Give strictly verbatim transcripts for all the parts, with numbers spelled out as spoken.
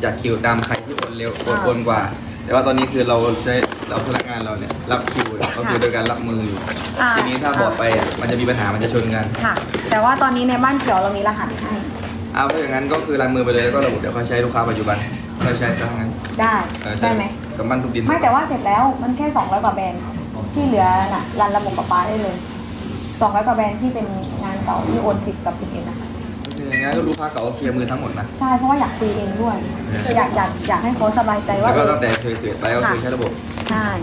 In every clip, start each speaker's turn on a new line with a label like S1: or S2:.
S1: จากคิวตามใครที่โอนเร็วโอนโอนกว่า แต่ว่าตอนนี้คือเราใช้เราพนักงานเราเนี่ยรับคิวก็คือโดยการรับมืออยู่
S2: อ่า
S1: ทีนี้ถ้าบอดไปอ่ะมันจะมีปัญหามันจะชนกัน
S2: ค่ะ แต่ว่าตอนนี้ในบ้านเขียวเรามีรหัสให้
S1: เอาถ้าอย่างนั้นก็คือรันมือไปเลยแล้วก็ระบุเดี๋ยวเขาใช้ลูกค้าปัจจุบันเขาใช้ซะงั้น
S2: ได้
S1: เออ
S2: ได้ไหม
S1: กับบ้านทุกดิน
S2: ไม่แต่ว่าเสร็จแล้วมันแค่สองร้อยกว่าแบรนด์ที่เหลือน่ะรันระบบกับปลาได้เลยสองร้อยกว่าแบรนด์ที่เป็นงานเก่าที่โอนสิบกับสิบเอ็ดนะคะ
S1: อย่างงั้นก็ลูกค้าเก่าเคลียร์มือทั้งหมดนะ
S2: ใช่เพราะว่าอยากคุยเองด้วยอยากอยากอยากให้เขาสบายใจว่า
S1: แล้วก็ตั้งแต่เคยเสียไปก็คือใช้ระบบ
S2: ใช่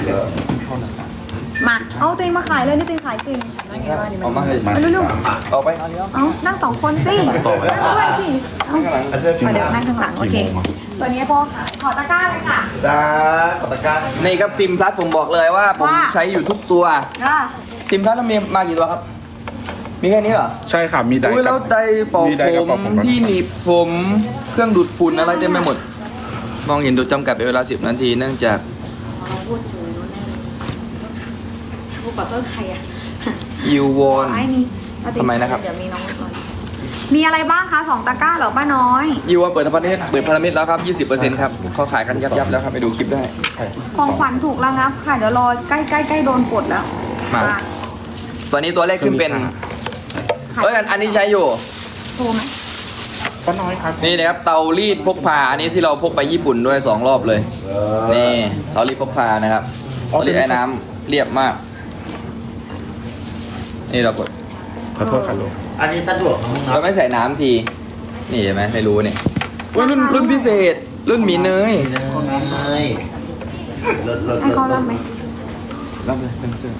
S2: มาเอาตัวเองมาขายเลยนี่ตัวเองขายจริงนั่นไงว่าดิ
S1: เอามาให้
S2: มาเร็ว
S1: ออกไปเอาเลี้ยว
S2: ๆเอานั่งสองคนสินั่งด้วยสิเอา
S1: ข้างหลัง
S2: เอาเดี๋ยวนั่งข้างหลังโอเคตัวนี้พ่อขายขอตะกร้าเลยค่ะ
S3: จ้าขอตะกร้า
S1: นี่ครับซิมพลัสผมบอกเลยว่าผม
S2: ว่า
S1: ใช้อยู่ทุกตัว
S2: อ่ะ
S1: ซิมพลัสเรามีมากี่ตัวครับ มีแค่นี้เหรอ
S4: ใช่ค่ะมีได
S1: อุ้ย
S4: กั
S1: แล้วไดร์เป่า
S4: มีไดร์กับ
S1: ผ
S4: เป่าม ผม
S1: ที่หนีบผมเครื่องดูดฝุ่นอะไรเต็มไปหมด มองเห็นดูจำกัดเป็นเวลาสิบนาทีเนื่องจาก
S2: พูดถึงพูดกับเพื่อนใครอ่ะ
S1: ยูวอน
S2: ไอ้นี่เอาติ
S1: ทำไมนะครับ
S2: เดี๋ยวมีน้องก่อนมีอะไรบ้างคะสองตะกร้าเหรอป้าน้อย
S1: ยูวอนเปิดพันธมิตรเปิดพันธมิตรแล้วครับ ยี่สิบเปอร์เซ็นต์ ครับเขาขายกันยับๆแล้วครับไปดูคลิปได้
S2: ของขวัญถูกระงับค่ะ เดี๋ยวรอใกล้ใกล้ใกล้โดนกดแล้ว
S1: มา
S2: อ่ะ
S1: ตัวนี้ตัวแรกขึ้นเป็น
S2: ขาย
S1: เอ้ยอันอันนี้ใช้อยู่
S2: โทรไหม
S4: ป้าน้อยครับ
S1: นี่นะครับเตารีดพกพาอันนี้ที่เราพกไปญี่ปุ่นด้วยสองรอบเลย นี่เตารีดพกพานะครับเตารีดไอ้น้ำเรียบมาก นี่เรากด
S4: ขอโทษค่ะลูก
S3: อันนี้สะดวกนะมึงครั
S1: เรา
S3: บ
S1: ไม่ใส่น้ำที นี่เห็นไหมไม่รู้เนี่ยอุ้ยรุ่นรุ่นพิเศษ รุ่นหมีเนย
S3: เนยลดลด
S2: ให้เขารับไหม
S1: รับเลยเป็นเสื้อ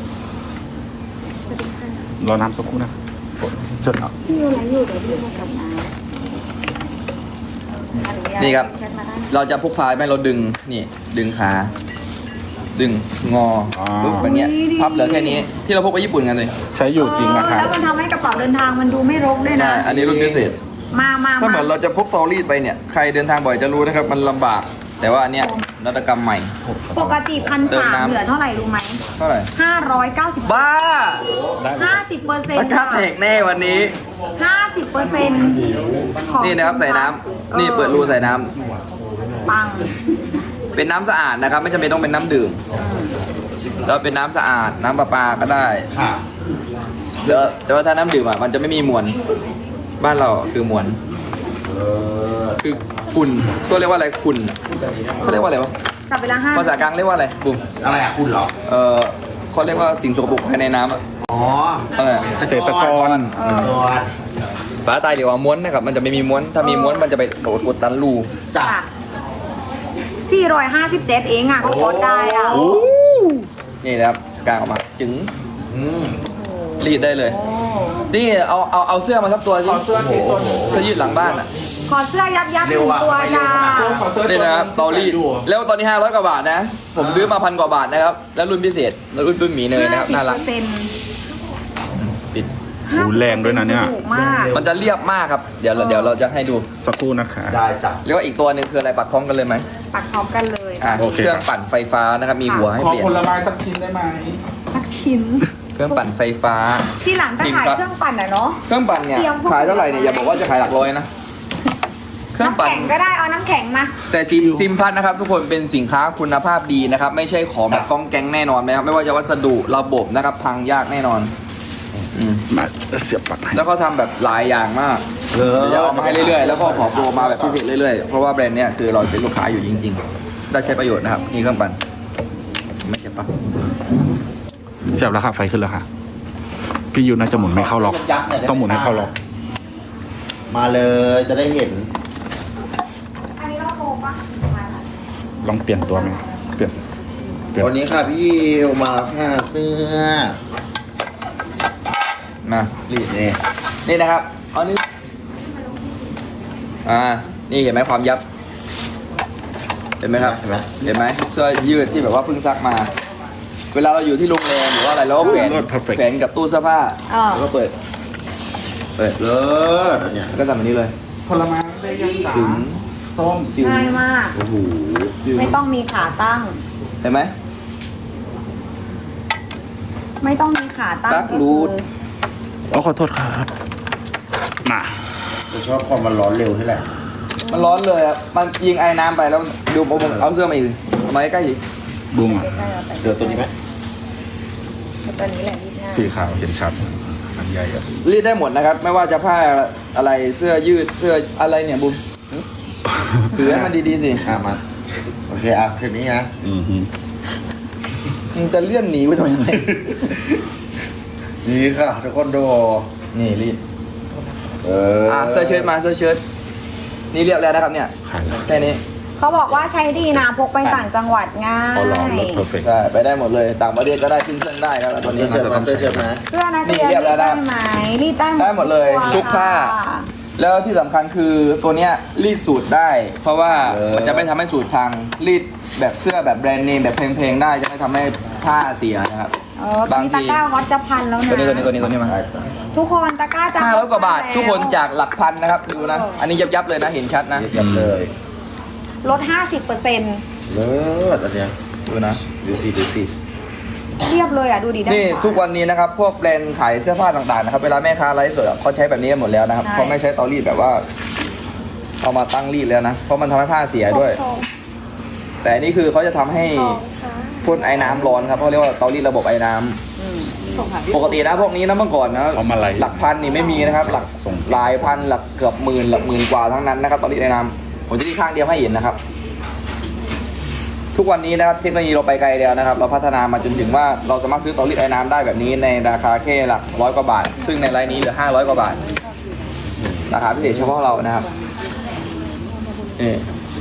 S4: รอน้ำสักครู่นะจดเอา
S2: พี่อะไรอยู่เดี๋ยวพี่ให้กลับมา
S1: นี่ครับ
S2: แชทมาได้
S1: เราจะพกพาไม่เราดึง นี่ ดึงขา ดึง งอปึ๊บอย่างเงี้ย พับเหลือแค่นี้ ที่เราพกไปญี่ปุ่นกันเลย
S4: ใช้อยู่จริงนะคะ
S2: เออแล้วมันทำให้กระเป๋าเดินทางมันดูไม่รกด้วย
S1: ใช่
S2: นะ
S1: อันนี้รุ่นพิเศษ
S2: มามา
S1: ถ้าเหมื
S2: มา
S1: อนเราจะพกเตารีดไปเนี่ย ใครเดินทางบ่อยจะรู้นะครับ มันลำบาก แต่ว่าอันเนี้ยนวัตกรรมใหม่
S2: ปกติพัน
S1: เติม
S2: สาม
S1: น้ำ
S2: เหลือเท่าไหร่รู้ไหม
S1: เท่าไหร่
S2: ห้าร้อยเก้าสิบ
S1: บ้า
S2: ห้าสิบเปอร์เซ็น
S1: รา
S2: ต์
S1: คาแตกแน่วันนี้
S2: ห้าสิบเปอร์เซ็นต์
S1: นี่นะครับใส่น้ำนี่เปิดรูใส่น้ำ
S2: ปัง
S1: เป็นน้ำสะอาดนะครับ ไม่จำเป็นต้องเป็นน้ำดื่มแล้วเป็นน้ำสะอาดน้ำประปาก็ได้
S3: ค่ะ
S1: แล้วแต่ว่าถ้าน้ำดื่มอ่ะมันจะไม่มีมวลบ้านเราคือมวล
S3: เออ
S1: คือฝุ่นก็เรียกว่าอะไรฝุ่นเขาเรียกว่าอะไรวะ
S2: จับเวลาห้า
S1: ภาษากลางเรียกว่าอะไรบุ๋ม
S3: อะไรอะคุณเหรอ
S1: เออเขาเรียกว่าสิ่งสกปรกภายในน้ำอ่ะ
S3: อ๋อ
S1: เออ
S4: เกษตรกร
S2: เออ
S3: ตัว
S1: ฝาตายเดี๋ยวว่าม้วนนะครับมันจะไม่มีม้วนถ้ามีม้วนมันจะไปโดดอุดตันรู
S3: จ้ะ
S2: สี่ร้อยห้าสิบเจ็ดเองอ่ะก็กดได้อ่ะ
S1: โอ้นี่นะครับกางออกมาจึง
S3: อืม
S1: รีดได้เลย
S2: โอ้
S1: นี่เอาเอาเอาเสื้อมาสักตัวสิเสื้อเสื้อยืดหลังบ้านอ่ะ
S2: ขอเสื้อยับยับหนึ่งตัวจ้า
S1: นี่นะครับเตารีดแล้วตอนนี้ห้าร้อยกว่าบาทนะ ผมซื้อมาพันกว่าบาทนะครับ แล้วรุ่นพิเศษแล้วรุ่นรุ่นหมีเนยนะครับน่ารัก
S2: ห้าสิบเปอร์เซ็นต์
S1: ปิด
S4: โอ้แรงด้วยนะเนี่ย
S2: ถูกมาก
S1: มันจะเรียบมากครับ เดี๋ยวเราเดี๋ยวเราจะให้ดู
S4: สักครู่นะคะ
S3: ได้จ้ะ
S1: แล้วก็อีกตัวหนึ่งคืออะไรปักพร้อมกันเลยไหม
S2: ปักพร้อมกันเลย
S1: อ่ะ
S4: โอเค
S1: เครื่องปั่นไฟฟ้านะครับมีหัวให้
S4: ขอ
S1: เปลี่ยน
S4: ผลไม้สักชิ้นได้ไหม
S2: สักชิ้น
S1: เครื่องปั่นไฟฟ้า
S2: ที่หลังก็
S1: ชิม
S2: ขาย
S1: ครับ
S2: เครื่องปั่นอ่ะเนาะ
S1: เครื่องปั่นเนี่ย
S2: เตรียมพวก
S1: ขายเท่าไหร่เนี่ยอย่าบอกว่าจะขายหลักร้อยนะเครื่อง
S2: น้ำ
S1: ปั่น
S2: แข็งก็ได้เอาน้ำแข็งมา
S1: แต่ซิมซิมพัทนะครับทุกคนเป็นสินค้าคุณภาพดีนะครับ ไม่ใช่ของแบบกองแกงแน่นอนนะครับไม่ว่าจะวัสดุระบบนะครับ พังยากแน่นอนอืม
S4: มาเสียบปลั๊กให้
S1: แล้วก็ทำแบบหลายอย่างมาก
S3: เออ
S1: เดี๋ยวจะเอามาให้เรื่อยๆ แล้วก็ขอโปรมาแบบพิเศษเรื่อยๆ เพราะว่าแบรนด์เนี้ยคือเราเป็นลูกค้าอยู่จริงๆ ได้ใช้ประโยชน์นะครับ นี่เครื่องปั่นไม่ใช่ปะ
S4: เสียบแล้วค่ะไฟขึ้นแล้วค่ะ พี่ยูน่าจะหมุนไม่เข้าล็อก
S3: ยับๆน่ยได้ไ
S4: ต้องหมุนให้เข้าล็อก
S3: มาเลยจะได้เห็น
S2: อันนี้เราโทรปะมาละ
S4: ลองเปลี่ยนตัวไหมเปลี่ยน เปลี่ยน
S3: วันนี้ค่ะพี่มาแล้วค่ะเสื้อ
S1: มารีด
S3: นี่
S1: นี่นะครับเอานี่อ่านี่เห็นไหมความยับ เห็นไหมครับ
S3: เห็นไหม
S1: เห็นไหมเสื้อยืดที่แบบว่าเพิ่งซักมา เวลาเราอยู่ที่โรงแรมหรือว่าอะไรเราก็แขวน
S4: Perfect
S1: แขวนกับตู้เสื้อผ้า
S2: เออ
S1: แล้วก็เปิด เปิด
S3: เลิศอันเนี่ย
S1: แล้วก็ทำแบบนี้เลย
S4: ผลไม้ได้ยังสา
S1: ถึง
S4: ส้ม
S1: ถึง
S2: ง่ายมาก
S3: โอ้โห
S1: ถึง
S2: ไม่ต้องมีขาตั้ง
S1: เห็นไหม
S2: ไม่ต้องมีขาตั้ง
S1: ตั๊กรูท
S4: โอ้ขอโทษครับมา
S3: จะชอบความมันร้อนเร็วนี่แหละ
S1: มันร้อนเลยอ่ะมันยิงไอ้น้ำไปแล้วดูผมเอาเสื้อมาอีกเอามาใกล้ๆอีก
S4: บุ้งอ่ะ
S2: ใกล้ๆเอาไป
S3: เดี๋ยวตัวนี้ไหม
S2: ตัวนี้แหละรีดง่าย
S4: สีขาวเห็นชัดอันใหญ่อะ
S1: รีดได้หมดนะครับ ไม่ว่าจะผ้าอะไรเสื้อยืดเสื้ออะไรเนี่ยบุมถือให้มันดีๆสิ
S3: อ่ะมาโอเคอ่ะคืนนี้นะ
S4: อือฮึ
S1: มึงจะเลื่อนหนีไปทำไม
S3: นี่ค่ะทุกคนดู
S1: นี่รีด
S3: เออ
S1: อ่ะเสื้อเชิ้ตมาเสื้อเชิ้ตนี่เรียบแล้วนะครับเนี่ย
S4: ขายแล้ว
S1: แค่นี้
S2: เขาบอกว่าใช้ดีนะพกไปต่างจังหวัดง่าย
S4: พอลองรถเพอร์เฟกต์
S1: ใช่ไปได้หมดเลยต่างประเทศก็ได้ขึ้นเครื่องได้ครับตัวนี้
S3: เสื้อเชิ้ตมาเสื้อเชิ้ตมา
S2: เสื้อนักเรียน
S1: นี่เรียบแล้ว
S2: ได้
S1: นะ
S2: ไหมรีดได้
S1: ได้หมดเลย
S2: ตัว
S1: ทุกผ้า แล้วที่สำคัญคือตัวเนี้ยรีดสูตรได้ เพราะว่ามันจะไม่ทำให้สูตรพังรีดแบบเสื้อแบบแบรนด์เนมแบบเพลงๆได้จะไม่ทำให้ผ้าเสียนะครับ
S2: เออตอนนี้ตะกร้าฮอตจะพันแล้วนะ
S1: ตัวนี้ตัวนี้ตัวนี้ตัวนี้มา
S2: ทุกคนตะกร้าจะ
S1: ห้าร้อยกว่าบาท
S2: แล้ว
S1: ทุกคนจากหลักพันนะครับดูนะ อันนี้ยับยับๆเลยนะเห็นชัดนะ
S3: ยับเลย
S2: ลด ห้าสิบเปอร์เซ็นต์
S3: เลิศอันเนี้ย
S1: ดูนะ
S3: ดูสิดูสิ
S2: เรียบเลยอ่ะ ดูดิด้า
S1: นี่
S2: ขวา
S1: ทุกวันนี้นะครับพวกแบรนด์ขายเสื้อผ้าต่างๆนะครับเวลาแม่ค้าไลฟ์สดอะเขาใช้แบบนี้กันหมดแล้วนะครับ
S2: ใช่
S1: เขาไม่ใช้เตารีดแบบว่า เอามาตั้งรีดแล้วนะเพราะมันทำให้ผ้าเสียด้วย แต่อันนี่คือเขาจะทำให้พ่นไอ้น้ำร้อนครับเขาเรียกว่าเตารีดระบบไอ้น้ำ
S2: อืม
S1: ปกตินะพวกนี้นะเมื่อก่อนนะ
S4: เขามาไล่
S1: หลักพันนี่ไม่มีนะครับ หลัก
S4: ส่ง
S1: หลายพันหลักเกือบหมื่นหลักหมื่นกว่าทั้งนั้นนะครับเตารีดไอ้น้ำผมจะที่ข้างเดียวให้เห็นนะครับ ทุกวันนี้นะครับเทคโนโลยีเราไปไกลแล้วนะครับ เราพัฒนามาจนถึงว่าเราสามารถซื้อเตารีดไอ้น้ำได้แบบนี้ในราคาแค่หลักร้อยกว่าบาท ซึ่งในไลน์นี้เหลือห้าร้อยกว่าบาทราคาพิเศษเฉพาะเรานะครับนี่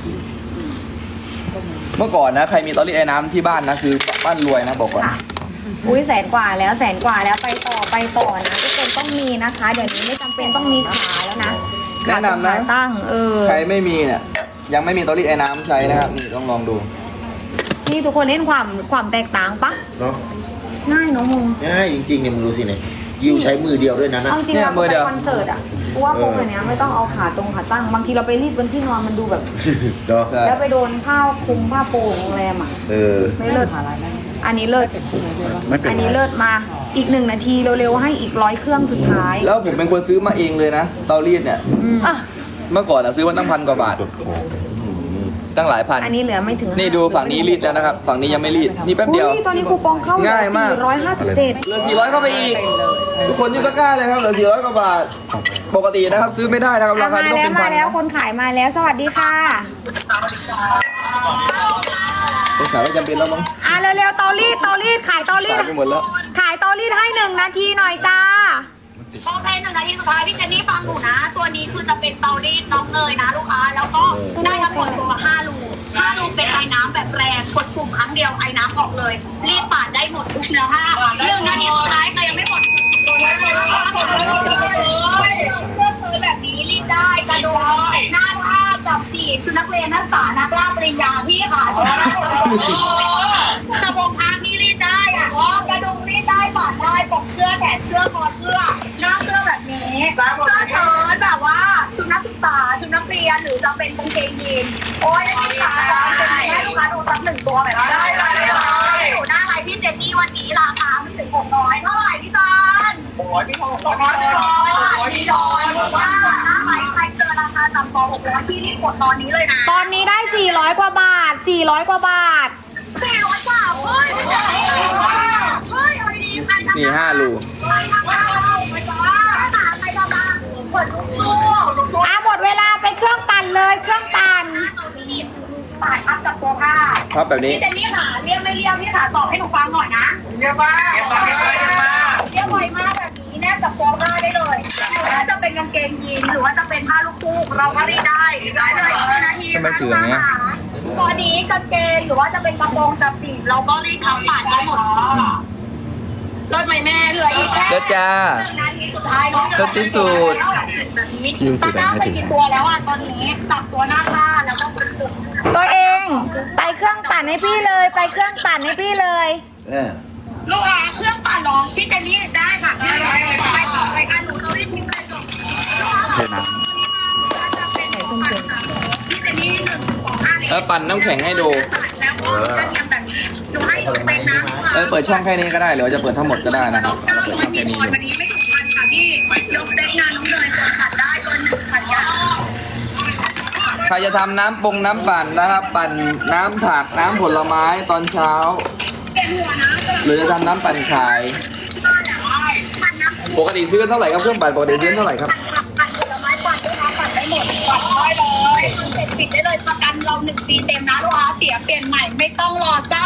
S1: เมื่อก่อนนะใครมีเตารีดไอ้น้ำที่บ้านนะคือบ้านรวยนะบอกก่อน
S2: ค่ะอุ้ยแสนกว่าแล้วแสนกว่าแล้วไปต่อไปต่อนะทุกคนต้องมีนะคะ เดี๋ยวนี้ไม่จำเป็นต้องมีขาแล้วนะ
S1: แนะนำนะ
S2: ขาตั้งเออ
S1: ใครไม่มีเนี่ยยังไม่มีเตารีดไอ้น้ำใช้นะครับนี่ต้องลองดู
S2: นี่ทุกคนเล่นความความแตกต่างปะ
S3: เนาะ
S2: ง่ายเน้องมึง
S3: ง่ายจริงๆเนี่ยมึงดูสิเนี่ยยิวใช้มือเดียวด้วยนะนะ
S2: เอาจริง
S1: เนี่ย
S2: เรา
S1: มือเดี
S2: ไป
S1: ยว
S2: คอนเสิร์ตอ่ะกูว่าพวกเนี้ยไม่ต้องเอาขาตรงขาตั้งบางทีเราไปรีดบนที่นอนมันดูแบบ
S3: เนาะ
S1: ใช่
S2: แล้วไปโดนผ้าคลุมผ้าโปร่งโรงแรมอ่ะ
S3: เออ
S2: ไม่เลิศอันนี้เลิศ
S4: ไม่เป็น
S2: อัน
S4: ไร
S2: นี้เลิศมาอีกหนึ่งนาทีเร็วๆให้อีกร้อยเครื่องสุดท้าย
S1: แล้วผมเป็นคนซื้อมาเองเลยนะเตารีดเนี่ย
S2: อืม
S1: เมื่อก่อนอะซื้อมาตั้งพันกว่าบาท
S4: จดโค้ด
S1: ตั้งหลายพัน
S2: อันนี้เหลือไม่ถึง
S1: นี่ดูฝั่งนี้รีดแล้วนะครับ ฝั่งนี้ยังไม่รีด นี่แป๊บเดียว
S2: อุ้ยตอนนี้คูปองเข้าเหลือ
S1: ง่ายมาก
S2: สี่ร้อยห้าสิบเจ็ด
S1: เหลือสี่ร้อยเข้าไปอีก ทุกคนยุ่งตะกร้าเลยครับเหลือสี่ร้อยกว่าบาท ปกตินะครับซื้อไม่ได้นะครับราคา
S2: มา
S1: ที่ต้อง
S2: แล้ว
S1: เป็น
S2: มา
S1: พัน
S2: แล้วคนขายมาแล้วสวัสดีค่ะ
S1: คนขายไม่จำเป็นแล้วมั้ง
S2: อ่ะเร็วๆเตารีดเตารีดขายเตารี
S1: ขา
S2: ด
S1: ยไปหมดแล้ว
S2: ขายเตารีดให้หนึ่งนาทีหน่อยจ้า
S5: โอเคหนึ่งนาทีสุดท้ายพี่เจนนี่ฟังหนูนะ ตัวนี้คือจะเป็นเตารีดน้องเนยนะลูกค้า แล้วก็ได้ทั้งหมดตัวห้าลูห้าลูเป็นไอ้น้ำแบบแรงกดปุ่มครั้งเดียวไอ้น้ำออกเลย รีบปาดได้หมดทุกเนื้อผ้าหนึ่งนาทีสุดท้ายใครยังไม่หมดตัวนี้เลยเสื้อซื้อแบบนี้รีดได้กระดุมหน้าผ้าจับสีชุดนักเรียนนักศึกษานักล่าปริญญาพี่ค่ะชุดนักเรียนกระโปรงอ้างนี่รีดได้อะกระดุมรีดได้ปาดได้ปกเสื้อแขนเสื้อคอเสื้อหน้าเสื้อแบบนี้เสื้อเชิ้ตแบบว่าชุดนักศึกษาชุดนักเรียนหรือจะเป็นกางเกงยีนโอ้ยนักศึกษาเป็นให้ลูกค้าดูสักหนึ่งตัวแบบนี้ได้เลยอยู่หน้าไลน์พี่เจนนี่วันนี้ราคาไม่ถึงหกร้อยเท่าไหร่พี่ซันโอ้ยพี่ทองพี่ทองพี่ทองว่าหน้าไลน์ใครเจอราคาต่ำกว่าหกร้อยที่รีบกดตอนนี้เลยนะ
S2: ตอนนี้ได้สี่ร้อยกว่าบาทสี่ร้อยกว่าบาท
S5: สี่ร้อยกว่าเฮ้ยเฮ้ยเอาดีๆใครทำ
S1: นี่ห้าลู
S5: ใครทำมาใครทำมาใครทำมาเปิดลูกสู้ลูกสู้
S2: อ่ะหมดเวลาไปเครื่องปั่นเลยเครื่องปั่น
S5: ปาดทับกับตัวผ้า
S1: ครับแบบนี้
S5: พี่เจนนี่ค่ะเรียกไม่เรียกพี่ค่ะตอบให้หนูฟังหน่อยนะเรียกว่าเรียกว่าเรียกว่าเรียกว่าเรียกบ่อยมากแบบนี้แนบกับตัวผ้าได้เลยหรือว่าจะเป็นกางเกงยีนหรือว่าจะเป็นผ้าลูกคู่เราก็รีดได้ได้เลยอีกนาที
S1: ทำไมถืออย่างเงี้ย
S5: ตอนนี้กางเกงหรือว่าจะเป็นกระโปรงจับสีเราก็รีดทั้งปาดได้หมดรถไหมแม่เหลืออีกแค่
S1: เด้อจ้า
S5: หนึ่งนาทีสุดท้ายเนาะ
S1: รถที่สุด
S5: แบบนี้ตาหน้าไปกี่ตัวแล้วอ่ะตอนนี้จับตัวหน้าผ้าแล้วก็กดปุ่ม
S2: ตัวเองไปเครื่องปั่นให้พี่เลยไปเครื่องปั่นให้พี่เลย
S3: เออ
S5: ลูกค้าเครื่องปั่นน้องพี่เจนนี่ได้ค่ะได้ไปไปต่อไปกันหนูเรารีบทิ้งไปจบลูกค้า
S4: เทน้
S5: จะเป็นปั่นค่ะพี่เจนนี่หนึ่งสองห้า
S1: แล้วปั่นน้ำแข็งให้ดู
S5: แล้วก็จะทำแบบนี้หนูให้หนูเป็นนะ
S1: เออเปิดช่องแค่นี้ก็ได้หรือว่าจะเปิดทั้งหมดก็ได้นะครับเราเปิดช่องแค่นี้
S5: วั
S1: อยู่
S5: นนี้ไม่ถึงพันค่ะพี่ยกได้งานน้องเลยกดขัดได้ตัวหนึ่งขัดยาว
S1: ใครจะทำน้ำปงน้ำปั่นนะครับ ปั่นน้ำผักน้ำผลไม้ตอนเช้า หรือจะทำน้ำปั่นขาย ปกติซื้อเท่าไหร่ครับเครื่องปั่นปกติซื้อเท่าไหร่ครับ
S5: ปั่นผลไม้ปั่นลูกค้าปั่นได้หมดปั่นได้เลยเสร็จปิดได้เลยประกันเราหนึ่งปีเต็มนะลูกค้าเสียเปลี่ยนใหม่ไม่ต้องรอจ้า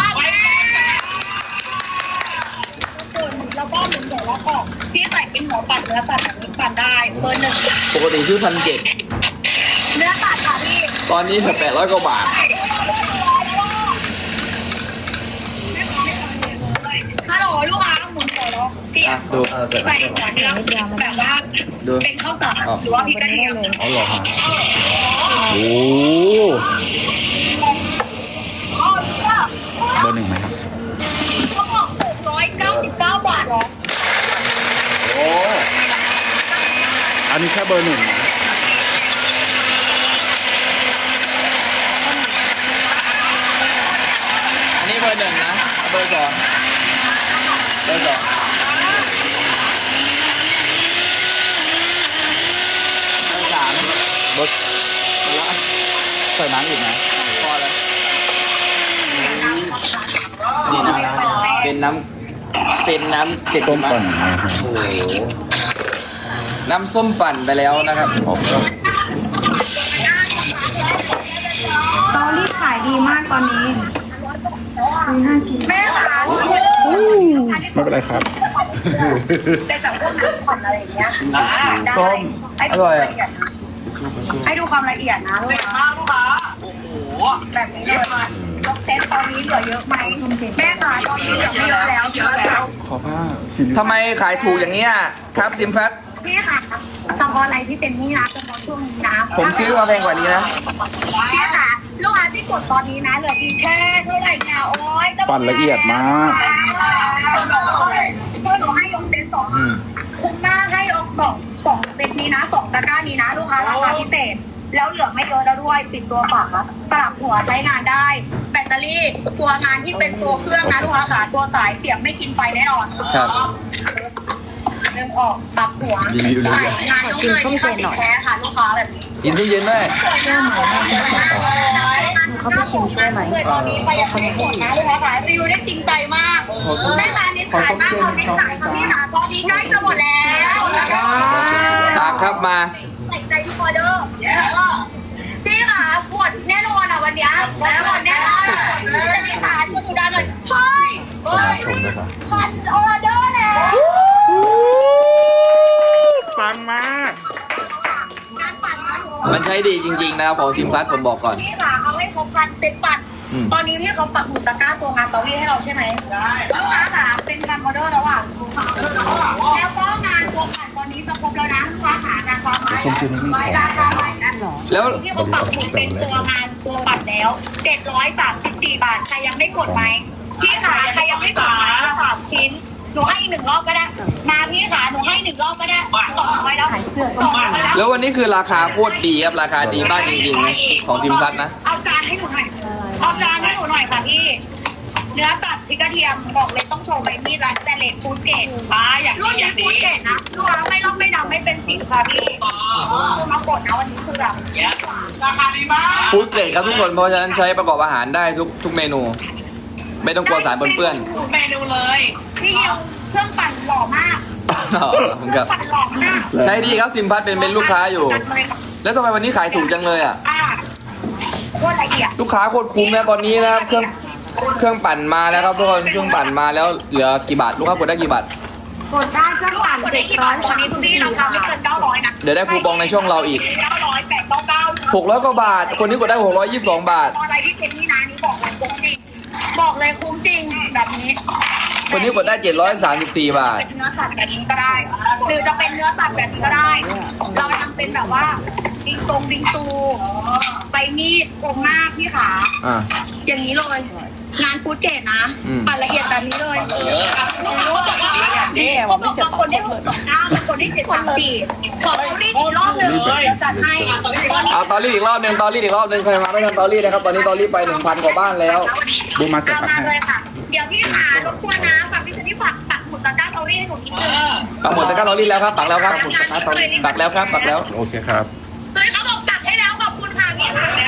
S5: แล้วก็หนึ่งหัวแล้วก็พี่ใส่เป็นหัวปั่นเนื้อปั่นแบบนี้ปั่นได้เบอร์หนึ่ง
S1: ปกติซื้อพันเจ็ด
S5: เนื้อปั่นค่ะพี่
S1: ตอนนี้แปดร้อยกว่าบาท
S5: ฮัลโหลลูกค้าหมุนหัวแล้วพี่
S1: อ่ะดู
S3: เออเสร็จ
S5: ใส่หัวเนื้อแบบว่า
S1: ดู
S5: เป็นข้าวสารหรือว่าพี่กระเทียม
S4: อ๋อเหรอฮะโอ้
S5: อ๋อเนี่ย
S4: เบอร์หนึ่งไหมครับ
S5: เขาบอกหกร้อยเก้าสิบเก้าบาทเหรอ
S3: โอ้
S4: อันนี้แค่เบอร์หนึ่งนะ
S1: อันนี้เบอร์หนึ่งนะเบอร์สองเบอร์สองเบอร์สาม
S4: เบอร์ใส่น้ำอีกไหม
S1: พอแล้วนี่นะเป็นน้ำเป็นน้ำเด็ด
S4: ส้ม
S1: มาก
S4: ปั่นนะฮะ
S3: โห
S1: น้ำส้มปั่นไปแล้วนะครับ
S4: ออกครับ
S2: เตารีดขายดีมากตอนนี้มีน่ากิน
S5: แม่ค่ะ
S4: ไม่เป็นไรครับ
S5: เป็นแบบพวกน้ำผ่อนอะไรอย่างเงี้ย
S4: ส้ม
S1: อร่อยอ่ะ
S5: ให้ดูความละเอียดนะลูกค้าลูกค้าโอ้โหแบบนี้เลยยกเซตตอนนี้เหลือเยอะไหมแม่ค่ะตอนนี้เหลือไม่เยอะแล้วเยอะแล้ว
S4: ขอผ้า
S1: ทำไมขายถูกอย่างนี้ยครับซิมแพท
S5: พี่ค่ะเฉพาะอะไรที่เป็นนี่นะเฉพาะช่วงนี้นะ
S1: ผมซื้อมาแพงกว่านี้นะ
S5: พี่ค่ะลูกค้าที่กดตอนนี้นะเหลืออีกแค่เท่าไหร่เนี่ยโอ้ย
S4: ปั่นละเอียดมาก
S5: เพื่อหนูให้ยกเซตสอง
S1: อืม
S5: คุ้มมากให้ยกสองสองเซตนี้นะสองตะกร้านี้นะลูกค้าราคาพิเศษแล้วเหลือไม่เยอะแล้วด้วยปิดตัวฝาปรับหัวใช้งานได้ แบตเตอรี่ตัวงานที่เป็นตัวเครื่องนะลูกค้าค่ะตัวสายเสียบไม่กินไฟแน่นอน
S1: ครับ
S5: เริ่มออกปรับหัว
S1: รีวิวเลย
S5: งานชิมส้มเจนหน่อยแท้ค่ะลูกค้าแบบนี้
S1: กินซุปเย็นด้วย
S2: เขาไปชิมช่วยไหม
S5: เกิดตอนนี้ไปยังไม่หมดนะลูกค้าค่ะรีวิวได้จริงใจมากแม่ร้านนี้ขายมากเขาไม่ขายค่ะพี่ค่ะตอนนี้ใกล้จะหมดแล้วนะคะ
S1: ตากครับมา
S5: ใส่ใจทุกออเดอร์พี่ค่ะกดแน่นอนอ่ะวันนี้แล้วหมดแน่นอนจะมีขายคุณสุดาหน่อยเฮ้ยเฮ้ยพันออเดอร์แล้ว
S4: ปังมาก
S5: งานปั่นนะ
S1: มันใช้ดีจริงๆนะครับของซิมพัทผมบอกก่อน
S5: พี่ค่ะเอาให้ครบพันเซ็ตปั่น
S1: อืม
S5: ตอนนี้พี่เขาปักหมุดตะกร้าตัวงานเตารีดให้เราใช่ไหมได้ลูกค้าค่ะเป็นการออเดอร์แล้วอ่ะแล้วก็งานตัวปั่นตอนนี้จะครบแล้วนะลูกค้าหาราคาใหม่ราคาใหม่นะ
S1: แล้ว
S5: ที่เขาปักหมุดเป็นตัวงานตัวปั่นแล้วเจ็ดร้อยสามสิบสี่บาทใครยังไม่กดไหมพี่ขาใครยังไม่กดไหมสามชิ้นหนูให้อีกหนึ่งรอบก็ได้มาพี่ขาหนูให้หนึ่งรอบก็ได้สองร้อยแล้ว
S2: ขายเสื้อ
S5: ส
S2: ก็
S5: อง
S2: มา
S5: ร้อยแล้ว
S1: แล้ววันนี้คือราคาโคตรดีครับราคาดีมากจริงๆนะของซิมพัทนะ
S5: เอาจานให้หนูหน่อยเอาจานให้หนูหน่อยค่ะพี่เนื้อสัตว์พริกกระเทียมบอกเลยต้องโชว์ใบมีดร้านแต่เลดฟูดเกตอ่าอย่างรุ่นนี้ฟูดเกตนะลูกค้าไม่ลอกไม่ดำไม่เป็นสิวค่ะพี่มากดนะวันนี้คือแบบราคาดีมาก
S1: ฟู้ดเกรดครับทุกคนเพราะฉะนั้นใช้ประกอบอาหารได้ทุกทุกเมนู ไม่ต้องกลัวสารปนเปื้อน
S5: เมนูเลยพี่เดียวเครื่องปั่นหล่อมาก
S1: อ๋อขอบคุณครับ
S5: ปั่นหล่อมาก
S1: ใช้ดีครับซิมพัทเป็นเป็นลูกค้าอยู่ แล้วทำไมวันนี้ขายถูกจังเลยอ่ะ
S5: อ่าโคตรละเอียด
S1: ลูกค้าโคตรคุ้มนะตอนนี้นะครับเครื่องเครื่องปั่นมาแล้วครับทุกคนเครื่องปั่นมาแล้วเหลือกี่บาทลูกค้ากดได้กี่บาท
S2: กดได้เครื่องปั่น
S5: คน
S2: เจ็
S5: ได้
S2: ด
S5: ที่
S2: ร้
S5: ร้
S2: อ
S5: อย ย
S2: สา
S5: วัน
S2: ม
S5: นี้
S2: สิ
S5: คุ
S2: บ
S5: ณพี่
S2: สี่
S5: ราคา
S2: บา
S5: ไม่
S2: ท
S5: เกินเก้าร้อยนะ
S1: เดี๋ยวได้คูปองในช่องเราอีก
S5: เก้าร้อยแปดเก้าเก้า
S1: หกร้อยกว่าบาท คนนี้กดได้หกร้อยยี่สิบสองบาท
S5: อะไรที่เป็นนี่นะนี่บอกเลยคุ้มจริงบอกเลยคุ้มจริงแบบนี้
S1: คนนี้กดได้เจ็ดร้อยสามสิบสี่บาท
S5: เป็นเนื้อสัตว์แบบนี้ก็ได้ หรือจะเป็นเนื้อสัตว์แบบนี้ก็ได้ เราทำเป็นแบบว่าบิงตรงบิงตูใบมีดโครงหน้าพี่ขา
S1: อ่า
S5: อย่างนี้เลย งานฟูดเกตนะ
S1: อืม
S5: ปั่นละเอียดแบบนี้เลยนี่ว่าไม่เสียคนได้หกสองเก้าคนได้เจ็ดสามสี่ขอเขาได้อีกรอบหนึ่งเลยจัดให้
S1: เอาตอรี่อีกรอบหนึ่งตอรี่อีกรอบหนึ่งใครมาไม่ทันตอรี่นะครับตอนนี้ตอรี่ไปหนึ่งพันกว่าบ้านแล้ว
S4: บูมมาเสร็จ
S5: เอา
S4: ครับ
S5: มาเลยค่ะ เดี๋ยวพี่หารบกวนนะฝากพี่ชนิดฝากปักหมุดตะกร้าเตารีดให้หนูนิดนึง
S1: ปักหมดตะกร้าตอรี่แล้วครับปักแล้วครับปักแล้วครับปักแล้ว
S4: โอเคครับ
S5: เฮ้ยเขาบอกปักให้แล้วขอบคุณค่ะพี่ค่ะ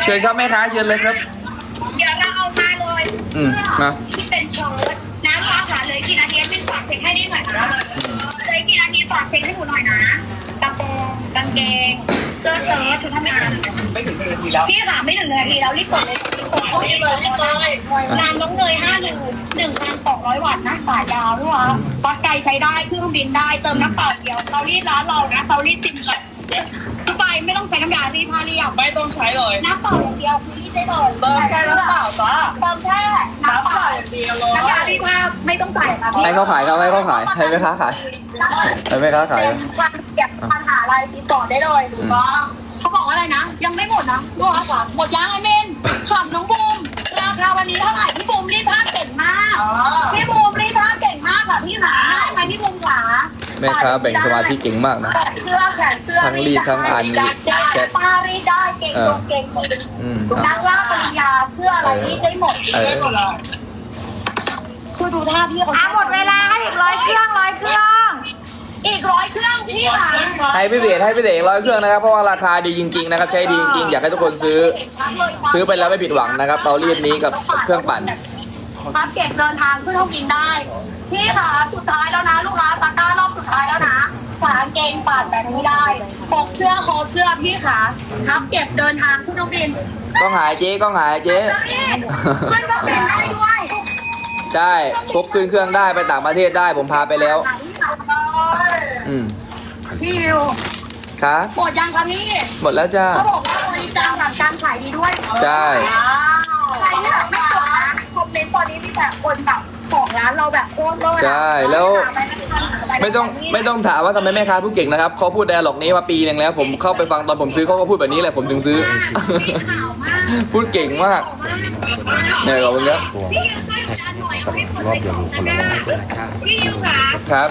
S1: เชิญครับแม่ค้าเชิญเลยครับ
S5: เดี๋ยวเราเอามาเลย
S1: อืมมา
S5: ที่เป็นเชิ้ตน้ำฟ้าขาเลยกี่นาทีเป็นฝากเช็คให้ได้หน่อยนะเลยกี่นาทีฝากเช็คให้หนูหน่อยนะกระโปรงกางเกงเสื้อเชิ้ตชุดทำงานไม่ถึงหนึ่งนาทีแล้วพี่ค่ะไม่ถึงหนึ่งนาทีแล้วรีบกดเลยรีบกดเลยรีบกดเลยงานน้องเนยห้าหนึ่งหนึ่งพันสองร้อยวัตต์นะสายยาวด้วยวะปลั๊กไกใช้ได้เครื่องบินได้เติมน้ำเปล่าเดียวเตารีดร้านเรานะเตารีดติมกันทุกใบไม่ต้องใช้น้ำยารีดผ้าเรียบไม่ต้องใช้เลยน้ำเปล่าอย่างเดียวคือรีดได้เลยเติมแค่น้ำเปล่าจ้าเติมแค่น้ำเปล่าอย่างเดียวเลยน้ำยารีดผ้าไม่ต้องใส่ค่ะ
S1: ให้เขาขายครับให้เขาขายให้แม่ค้าขายให้แม่ค้าขาย
S5: ปัญหาปัญหาอะไรติดต่อได้เลยถูกต้องเขาบอกว่าอะไรนะ ยังไม่หมดนะลูกค้าค่ะหมดยังไอเมนถามน้องบูมราคาวันนี้เท่าไหร่พี่บูมรีดผ้าเก่งมากพี่บูมรีดผ้าเก่งมากค่ะพี่หนาได้ไหมพี่บูมขา
S1: แม่ค้าแบ่งสมาธิเก่งมากนะ
S5: เสื้อแขนเสื้อ
S1: ทั้งรีดทั้งอ่านรีดแชท
S5: ป้ารีดได้เก่งตรงเก่งจริง
S1: อืม
S5: นักล่าปริญญาเสื้ออะไรรีดได้หมด
S1: เออ
S5: ได้หมดเลยคือดูท่าพี่เขา
S2: อ่ะหมดเวลาให้อีกร้อยเครื่องร้อยเครื่อง
S5: อีกร้อยเครื่องพี่ค่ะ
S1: ให้พี่เบสให้พี่เบสร้อยเครื่องนะครับเพราะว่าราคาดีจริงๆนะครับใช้ดีจริงๆอยากให้ทุกคนซื้อ ซื้อไปแล้วไม่ผิดหวังนะครับเตารีดนี้กับเครื่องปั่น
S5: พับเก็บเดินทางขึ้นห้องกินได้ พี่ค่ะสุดท้ายแล้วนะลูกค้าตะกร้ารอบสุดท้ายแล้วนะฝาเกงปั่นแบบนี้ได้ปกเสื้อคอเสื้อพี่ค่ะพับเก็บเดินทางขึ้นห้องกิน
S1: ก็หายเจ๊ก็หายเจ๊
S5: ขึ้นเครื่องบินได้ด้วย
S1: ใช่ครบขึ้นเครื่องได้ไปต่างประเทศได้ผมพาไปแล้ว อืม
S5: พี่วิว
S1: ครับ
S5: หมดยังคะพี่
S1: หมดแล้วจ้า
S5: เขาบอกว่าบริจาคหลังการขายดีด้วย
S1: ใช่
S5: ใครที่แบบไม่กดนะคอมเมนต์ตอนนี้มีแต่คนแบบของร้านเราแบบโคตรเลย
S1: ใช่แล้วไม่ต้องไม่ต้องถามว่าทำไมแม่ค้าพูดเก่งนะครับเขาพูดไดอะล็อกนี้มาปีหนึงแล้ว ผมเข้าไปฟังตอนผมซื้อเขาก็พูดแบบนี้แหละผมถึงซื้อ
S5: ข่าวมาก
S1: พูดเก่งมากเนี่ยขอบคุณครับ
S5: พี่ยูช่วยกดดันหน่อยเอาให้คนไปก่อนนะพี่ยูค่ะ
S1: ครับ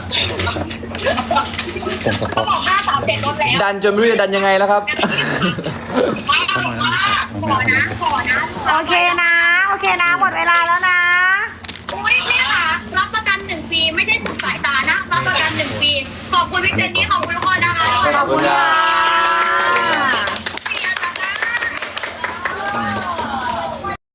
S5: เขาบอกห้าสามเจ็ดลดแล้ว
S1: ดันจนไม่รู้จะดันยังไงแล้วครับ
S5: ขอนะขอนะ
S2: โอเคนะ โอเคนะ หมดเวลาแล้วนะ
S5: อุ้ยพี่ค่ะรับประกันหนึ่งปีไม่ได้สุดสายตานะรับประกันหนึ่งปีขอบคุณพี่เจนนี่ขอบคุณทุกคนนะคะ
S1: ขอบคุณครับ